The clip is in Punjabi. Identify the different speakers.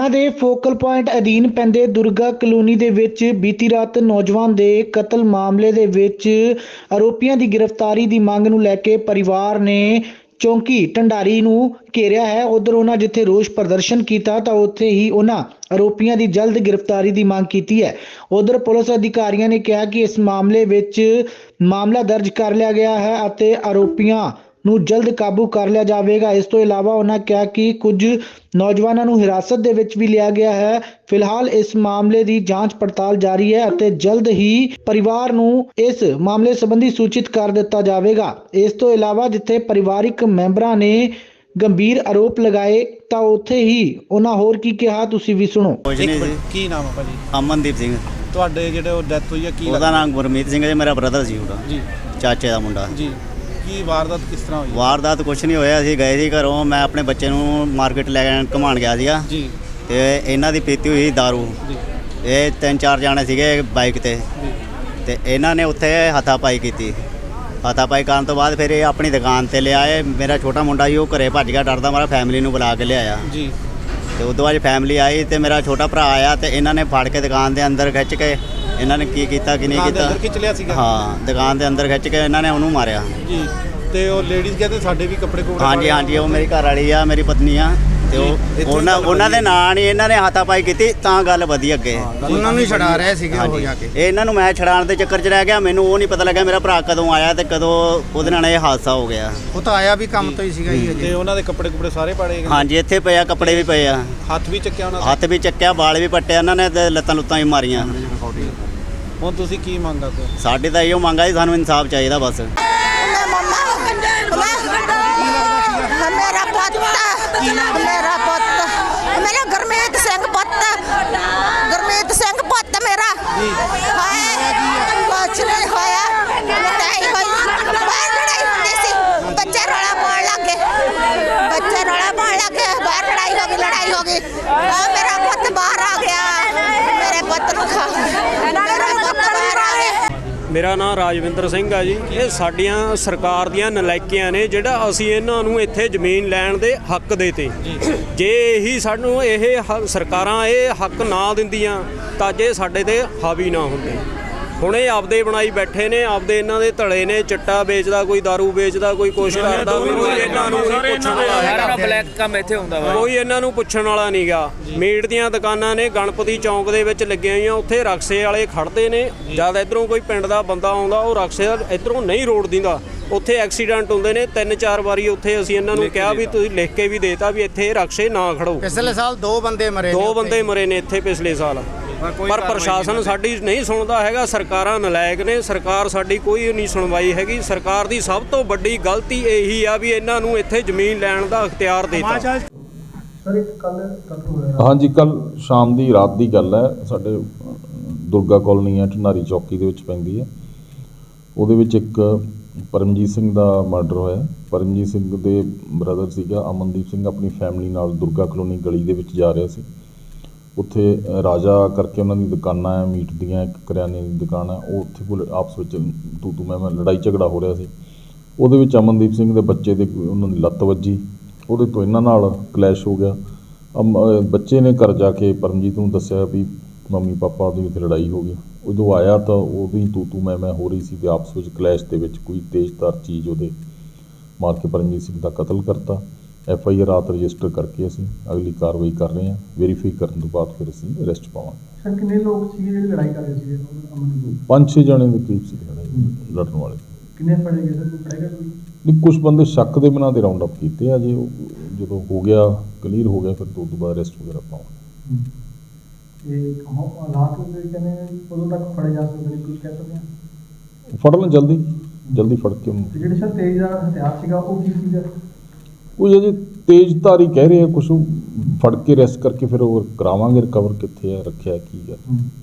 Speaker 1: ਲੁਧਿਆਣਾ ਦੇ ਫੋਕਲ ਪੁਆਇੰਟ ਅਧੀਨ ਪੈਂਦੇ ਦੁਰਗਾ ਕਲੋਨੀ ਦੇ ਵਿੱਚ ਬੀਤੀ ਰਾਤ ਨੌਜਵਾਨ ਦੇ ਕਤਲ ਮਾਮਲੇ ਦੇ ਵਿੱਚ ਆਰੋਪੀਆਂ ਦੀ ਗ੍ਰਿਫਤਾਰੀ ਦੀ ਮੰਗ ਨੂੰ ਲੈ ਕੇ ਪਰਿਵਾਰ ਨੇ ਚੌਂਕੀ ਢੰਡਾਰੀ ਨੂੰ ਘੇਰਿਆ ਹੈ। ਉਧਰ ਉਹਨਾਂ ਜਿੱਥੇ ਰੋਸ ਪ੍ਰਦਰਸ਼ਨ ਕੀਤਾ ਤਾਂ ਉੱਥੇ ਹੀ ਉਹਨਾਂ ਆਰੋਪੀਆਂ ਦੀ ਜਲਦ ਗ੍ਰਿਫਤਾਰੀ ਦੀ ਮੰਗ ਕੀਤੀ ਹੈ। ਉਧਰ ਪੁਲਿਸ ਅਧਿਕਾਰੀਆਂ ਨੇ ਕਿਹਾ ਕਿ ਇਸ ਮਾਮਲੇ ਵਿੱਚ ਮਾਮਲਾ ਦਰਜ ਕਰ ਲਿਆ ਗਿਆ ਹੈ ਅਤੇ ਆਰੋਪੀਆਂ ਨੂੰ ਜਲਦ ਕਾਬੂ ਕਰ ਲਿਆ ਜਾਵੇਗਾ। ਇਸ ਤੋਂ ਇਲਾਵਾ ਉਹਨਾਂ ਕਿਹਾ ਕਿ ਕੁਝ ਨੌਜਵਾਨਾਂ ਨੂੰ ਹਿਰਾਸਤ ਦੇ ਵਿੱਚ ਵੀ ਲਿਆ ਗਿਆ ਹੈ। ਫਿਲਹਾਲ ਇਸ ਮਾਮਲੇ ਦੀ ਜਾਂਚ ਪੜਤਾਲ ਜਾਰੀ ਹੈ ਅਤੇ ਜਲਦ ਹੀ ਪਰਿਵਾਰ ਨੂੰ ਇਸ ਮਾਮਲੇ ਸੰਬੰਧੀ ਸੂਚਿਤ ਕਰ ਦਿੱਤਾ ਜਾਵੇਗਾ। ਇਸ ਤੋਂ ਇਲਾਵਾ ਜਿੱਥੇ ਪਰਿਵਾਰਿਕ ਮੈਂਬਰਾਂ ਨੇ ਗੰਭੀਰ ਆਰੋਪ ਲਗਾਏ ਤਾਂ ਉੱਥੇ ਹੀ ਉਹਨਾਂ ਹੋਰ ਕੀ ਕਿਹਾ, ਤੁਸੀਂ ਵੀ ਸੁਣੋ।
Speaker 2: ਕੀ ਨਾਮ ਹੈ ਭਾਜੀ?
Speaker 3: ਅਮਨਦੀਪ ਸਿੰਘ।
Speaker 2: ਤੁਹਾਡੇ ਜਿਹੜੇ ਉਹ ਡੈਥ ਹੋਈ ਹੈ ਕੀ
Speaker 3: ਉਹਦਾ ਨਾਮ ਗੁਰਮੀਤ ਸਿੰਘ ਹੈ, ਮੇਰਾ ਬ੍ਰਦਰ ਸੀ ਉਹਦਾ
Speaker 2: ਜੀ,
Speaker 3: ਚਾਚੇ ਦਾ ਮੁੰਡਾ
Speaker 2: ਜੀ। ਕੀ ਵਾਰਦਾਤ ਕਿਸ ਤਰ੍ਹਾਂ ਹੋਈ?
Speaker 3: ਵਾਰਦਾਤ ਕੁਛ ਨਹੀਂ ਹੋਇਆ, ਅਸੀਂ ਗਏ ਸੀ ਘਰੋਂ, ਮੈਂ ਆਪਣੇ ਬੱਚੇ ਨੂੰ ਮਾਰਕੀਟ ਲੈ ਕੇ ਘੁਮਾਉਣ ਗਿਆ ਸੀਗਾ
Speaker 2: ਜੀ,
Speaker 3: ਤੇ ਇਹਨਾਂ ਦੀ ਪੀਤੀ ਹੋਈ ਦਾਰੂ।
Speaker 2: ਜੀ,
Speaker 3: ਇਹ 3-4 ਜਾਣੇ ਸੀਗੇ ਬਾਈਕ ਤੇ
Speaker 2: ਜੀ,
Speaker 3: ਤੇ ਇਹਨਾਂ ਨੇ ਉੱਥੇ ਹੱਥਾਪਾਈ ਕੀਤੀ। ਹੱਥਾਪਾਈ ਕਰਨ ਤੋਂ ਬਾਅਦ ਫਿਰ ਇਹ ਆਪਣੀ ਦੁਕਾਨ ਤੇ ਲਿਆਏ। ਮੇਰਾ ਛੋਟਾ ਮੁੰਡਾ ਸੀ, ਉਹ ਘਰੇ ਭੱਜ ਗਿਆ ਡਰਦਾ ਮਾਰਾ, ਫੈਮਿਲੀ ਨੂੰ ਬੁਲਾ ਕੇ ਲਿਆਇਆ
Speaker 2: ਜੀ।
Speaker 3: ਤੇ ਉਦੋਂ ਬਾਅਦ ਫੈਮਿਲੀ ਆਈ ਤੇ ਮੇਰਾ ਛੋਟਾ ਭਰਾ ਆਇਆ ਤੇ ਇਹਨਾਂ ਨੇ ਫੜ ਕੇ ਦੁਕਾਨ ਦੇ ਅੰਦਰ ਖਿੱਚ ਕੇ ਇਹਨਾਂ ਨੇ ਕੀ ਕੀਤਾ ਕਿ ਨਹੀਂ ਕੀਤਾ,
Speaker 2: ਅੰਦਰ ਖਿੱਚ ਲਿਆ ਸੀਗਾ।
Speaker 3: ਹਾਂ, ਦੁਕਾਨ ਦੇ ਅੰਦਰ ਖਿੱਚ ਕੇ ਇਹਨਾਂ ਨੇ ਉਹਨੂੰ ਮਾਰਿਆ
Speaker 2: ਜੀ। ਤੇ ਉਹ ਲੇਡੀਜ਼ ਕਹਿੰਦੇ ਸਾਡੇ ਵੀ ਕੱਪੜੇ ਕੋਲ।
Speaker 3: ਹਾਂਜੀ ਹਾਂਜੀ, ਉਹ ਮੇਰੀ ਘਰ ਵਾਲੀ ਆ, ਮੇਰੀ ਪਤਨੀ ਆ ਤੇ ਉਹਨਾਂ ਦੇ ਨਾਂ ਨਹੀਂ ਇਹਨਾਂ ਨੇ ਹਾਥਾਪਾਈ ਕੀਤੀ ਤਾਂ ਗੱਲ ਵਧੀ ਅੱਗੇ।
Speaker 4: ਉਹਨਾਂ ਨੂੰ ਹੀ ਛਡਾ ਰਹੇ ਸੀਗੇ ਉਹ ਜਾ ਕੇ।
Speaker 3: ਇਹਨਾਂ ਨੂੰ ਮੈਂ ਛਡਾਉਣ ਦੇ ਚੱਕਰ 'ਚ ਰਹਿ ਗਿਆ, ਮੈਨੂੰ ਉਹ ਨਹੀਂ ਪਤਾ ਲੱਗਾ ਮੇਰਾ ਭਰਾ ਕਦੋਂ ਆਇਆ ਤੇ ਕਦੋਂ ਉਹਦੇ ਨਾਲ ਇਹ ਹਾਦਸਾ ਹੋ ਗਿਆ।
Speaker 4: ਉਹ ਤਾਂ ਆਇਆ ਵੀ ਕੰਮ ਤੋਂ ਹੀ ਸੀਗਾ ਜੀ।
Speaker 2: ਤੇ ਉਹਨਾਂ ਦੇ ਕੱਪੜੇ ਕੁਪੜੇ ਸਾਰੇ ਪਾੜੇ?
Speaker 3: ਹਾਂਜੀ, ਇੱਥੇ ਪਏ ਆ, ਕੱਪੜੇ ਵੀ ਪਏ ਆ,
Speaker 2: ਹੱਥ ਵੀ ਚੱਕਿਆ ਉਹਨਾਂ ਦਾ?
Speaker 3: ਹੱਥ ਵੀ ਚੱਕਿਆ, ਵਾਲ ਵੀ ਪੱਟਿਆ ਇਹਨਾਂ ਨੇ ਤੇ ਲੱਤਾਂ ਲੁੱਤਾਂ ਵੀ ਮਾਰੀਆਂ।
Speaker 2: ਹੁਣ ਤੁਸੀਂ ਕੀ ਮੰਗ ਕਰਦੇ ਹੋ?
Speaker 3: ਸਾਡੇ ਤਾਂ ਇਹੋ ਮੰਗ ਆ ਜੀ, ਸਾਨੂੰ ਇਨਸਾਫ ਚਾਹੀਦਾ ਬਸ।
Speaker 5: ਮੇਰਾ ਗੁਰਮੀਤ ਸਿੰਘ ਪੁੱਤ ਮੇਰਾ ਕੁਛ ਨਹੀਂ ਹੋਇਆ। ਲੜਾਈ ਹੋਈ, ਬਾਹਰ ਲੜਾਈ ਹੁੰਦੀ ਸੀ, ਬੱਚੇ ਰੌਲਾ ਪਾਉਣ ਲੱਗੇ, ਬਾਹਰ ਲੜਾਈ ਹੋ ਗਈ। ਮੇਰਾ ਪੁੱਤ ਬਾਹਰ ਆ ਗਿਆ, ਮੇਰੇ ਪੁੱਤ ਨੂੰ ਖਾ ਮੇਰਾ ਪੁੱਤ ਬਾਹਰ ਆ ਗਿਆ।
Speaker 6: ਮੇਰਾ ਨਾਮ ਰਾਜਵਿੰਦਰ ਸਿੰਘ ਆ ਜੀ। ਇਹ ਸਾਡੀਆਂ ਸਰਕਾਰ ਦੀਆਂ ਨਲਾਇਕੀਆਂ ਨੇ ਜਿਹੜਾ ਅਸੀਂ ਇਹਨਾਂ ਨੂੰ ਇੱਥੇ ਜ਼ਮੀਨ ਲੈਣ ਦੇ ਹੱਕ ਦੇਤੇ। ਜੇ ਇਹੀ ਸਾਨੂੰ ਸਰਕਾਰਾਂ ਇਹ ਹੱਕ ਨਾ ਦਿੰਦੀਆਂ ਤਾਂ ਜੇ ਸਾਡੇ ਤੇ ਹਾਵੀ ਨਾ ਹੁੰਦੇ। ਹੁਣ ਇਹ ਆਪਦੇ ਬਣਾਈ ਬੈਠੇ ਨੇ, ਆਪਦੇ ਇਹਨਾਂ ਦੇ ਧੜੇ ਨੇ, ਚਿੱਟਾ ਵੇਚਦਾ, ਕੋਈ ਦਾਰੂ ਵੇਚਦਾ, ਕੋਈ ਕੁਛ ਕਰਦਾ, ਕੋਈ ਇਹਨਾਂ ਨੂੰ ਪੁੱਛਣ ਵਾਲਾ ਹੈਗਾ।
Speaker 7: ਬਲੈਕ ਕੰਮ ਇੱਥੇ ਹੁੰਦਾ ਵਾ,
Speaker 6: ਕੋਈ ਇਹਨਾਂ ਨੂੰ ਪੁੱਛਣ ਵਾਲਾ ਨਹੀਂਗਾ। ਮੀਟ ਦੀਆਂ ਦੁਕਾਨਾਂ ਨੇ ਗਣਪਤੀ ਚੌਂਕ ਦੇ ਵਿੱਚ ਲੱਗੀਆਂ ਹੋਈਆਂ, ਉੱਥੇ ਰਕਸ਼ੇ ਵਾਲੇ ਖੜਦੇ ਨੇ। ਜਦ ਇੱਧਰੋਂ ਕੋਈ ਪਿੰਡ ਦਾ ਬੰਦਾ ਆਉਂਦਾ, ਉਹ ਰਕਸ਼ੇ ਇੱਧਰੋਂ ਨਹੀਂ ਰੋਡ ਦਿੰਦਾ, ਉੱਥੇ ਐਕਸੀਡੈਂਟ ਹੁੰਦੇ ਨੇ। 3-4 ਵਾਰੀ ਉੱਥੇ ਅਸੀਂ ਇਹਨਾਂ ਨੂੰ ਕਿਹਾ ਵੀ ਤੁਸੀਂ ਲਿਖ ਕੇ ਵੀ ਦੇਤਾ ਵੀ ਇੱਥੇ ਰਕਸ਼ੇ ਨਾ ਖੜੋ।
Speaker 4: ਪਿਛਲੇ ਸਾਲ 2 ਬੰਦੇ ਮਰੇ
Speaker 6: ਨੇ ਇੱਥੇ ਪਿਛਲੇ ਸਾਲ। ਪਰ ਪ੍ਰਸ਼ਾਸਨ ਸਾਡੀ ਨਹੀਂ ਸੁਣਦਾ ਹੈਗਾ, ਸਰਕਾਰਾਂ ਨਲਾਇਕ ਨੇ, ਸਰਕਾਰ ਸਾਡੀ ਕੋਈ ਨਹੀਂ ਸੁਣਵਾਈ ਹੈਗੀ। ਸਰਕਾਰ ਦੀ ਸਭ ਤੋਂ ਵੱਡੀ ਗਲਤੀ ਇਹੀ ਆ ਵੀ ਇਹਨਾਂ ਨੂੰ ਇੱਥੇ ਜ਼ਮੀਨ ਲੈਣ ਦਾ ਅਖਤਿਆਰ ਦੇਤਾ।
Speaker 8: ਹਾਂਜੀ, ਕੱਲ ਸ਼ਾਮ ਦੀ ਰਾਤ ਦੀ ਗੱਲ ਹੈ। ਸਾਡੇ ਦੁਰਗਾ ਕਲੋਨੀ ਹੈ, ਢੰਡਾਰੀ ਚੌਕੀ ਦੇ ਵਿੱਚ ਪੈਂਦੀ ਹੈ। ਉਹਦੇ ਵਿੱਚ ਇੱਕ ਪਰਮਜੀਤ ਸਿੰਘ ਦਾ ਮਰਡਰ ਹੋਇਆ। ਪਰਮਜੀਤ ਸਿੰਘ ਦੇ ਬ੍ਰਦਰ ਸੀਗਾ ਅਮਨਦੀਪ ਸਿੰਘ, ਆਪਣੀ ਫੈਮਿਲੀ ਨਾਲ ਦੁਰਗਾ ਕਲੋਨੀ ਗਲੀ ਦੇ ਵਿੱਚ ਜਾ ਰਿਹਾ ਸੀ। ਉੱਥੇ ਰਾਜਾ ਕਰਕੇ ਉਹਨਾਂ ਦੀ ਦੁਕਾਨਾਂ ਹੈ, ਮੀਟ ਦੀਆਂ, ਇੱਕ ਕਰਿਆਨੇ ਦੀ ਦੁਕਾਨ ਹੈ। ਉਹ ਉੱਥੇ ਕੋਲ ਆਪਸ ਵਿੱਚ ਤੂੰ ਮੈਂ ਲੜਾਈ ਝਗੜਾ ਹੋ ਰਿਹਾ ਸੀ। ਉਹਦੇ ਵਿੱਚ ਅਮਨਦੀਪ ਸਿੰਘ ਦੇ ਬੱਚੇ ਦੇ ਉਹਨਾਂ ਦੀ ਲੱਤ ਵੱਜੀ, ਉਹਦੇ ਤੋਂ ਇਹਨਾਂ ਨਾਲ ਕਲੈਸ਼ ਹੋ ਗਿਆ। ਬੱਚੇ ਨੇ ਘਰ ਜਾ ਕੇ ਪਰਮਜੀਤ ਨੂੰ ਦੱਸਿਆ ਵੀ ਮੰਮੀ ਪਾਪਾ ਦੀ ਉੱਥੇ ਲੜਾਈ ਹੋ ਗਈ। ਉਦੋਂ ਆਇਆ ਤਾਂ ਉਹਦੀ ਤੂੰ ਮੈਂ ਹੋ ਰਹੀ ਸੀ ਅਤੇ ਆਪਸ ਵਿੱਚ ਕਲੈਸ਼ ਦੇ ਵਿੱਚ ਕੋਈ ਤੇਜ਼ਧਾਰ ਚੀਜ਼ ਉਹਦੇ ਮਾਰ ਕੇ ਪਰਮਜੀਤ ਸਿੰਘ ਦਾ ਕਤਲ ਕਰਤਾ। FIR ਰਾਤ ਰਜਿਸਟਰ ਕਰਕੇ ਅਸੀਂ ਅਗਲੀ ਕਾਰਵਾਈ ਕਰ ਰਹੇ ਹਾਂ। ਵੈਰੀਫਾਈ ਕਰਨ ਤੋਂ ਬਾਅਦ ਫਿਰ ਅਸੀਂ ਅਰੈਸਟ ਪਾਵਾਂਗੇ।
Speaker 1: ਸਰ, ਕਿੰਨੇ ਲੋਕ ਸੀਗੇ ਜਿਹੜੇ ਲੜਾਈ ਕਰ ਰਹੇ ਸੀਗੇ?
Speaker 8: 5-6 ਜਣੇ ਦੇ ਕਰੀਬ ਸੀ ਲੜਨ ਵਾਲੇ।
Speaker 1: ਕਿੰਨੇ ਫੜੇ ਗਏ ਸਰ? ਕੋਈ ਫੜੇਗਾ ਕੋਈ?
Speaker 8: ਨਹੀਂ, ਕੁਛ ਬੰਦੇ ਸ਼ੱਕ ਦੇ ਬਿਨਾਂ ਦੇ ਰਾਉਂਡ ਅਪ ਕੀਤੇ ਆ ਜੀ। ਜਦੋਂ ਹੋ ਗਿਆ ਕਲੀਅਰ ਹੋ ਗਿਆ ਫਿਰ ਤੋਂ ਬਾਅਦ ਅਰੈਸਟ ਵਗੈਰਾ ਪਾਵਾਂਗੇ।
Speaker 1: ਇਹ ਹਾਲਾਤ ਹੁੰਦੇ ਕਹਿੰਦੇ ਉਦੋਂ ਤੱਕ ਫੜੇ ਜਾ ਸਕਦੇ ਨੇ, ਕੁਝ ਕਹਿ ਸਕਦੇ ਹਾਂ?
Speaker 8: ਫੜ ਲੈਣ ਜਲਦੀ ਫੜ ਕੇ ਉਹਨੂੰ।
Speaker 1: ਜਿਹੜੇ ਸਰ ਤੇਜ਼ ਹਥਿਆਰ ਸੀਗਾ ਉਹ ਕੀ ਸੀਗਾ?
Speaker 8: ਉਹ ਅਜੇ ਤੇਜ਼ਧਾਰੀ ਕਹਿ ਰਹੇ ਆ, ਕੁਛ ਫੜ ਕੇ ਅਰੈਸਟ ਕਰਕੇ ਫਿਰ ਉਹ ਕਰਾਵਾਂਗੇ ਰਿਕਵਰ ਕਿੱਥੇ ਆ ਰੱਖਿਆ ਕੀ ਆ।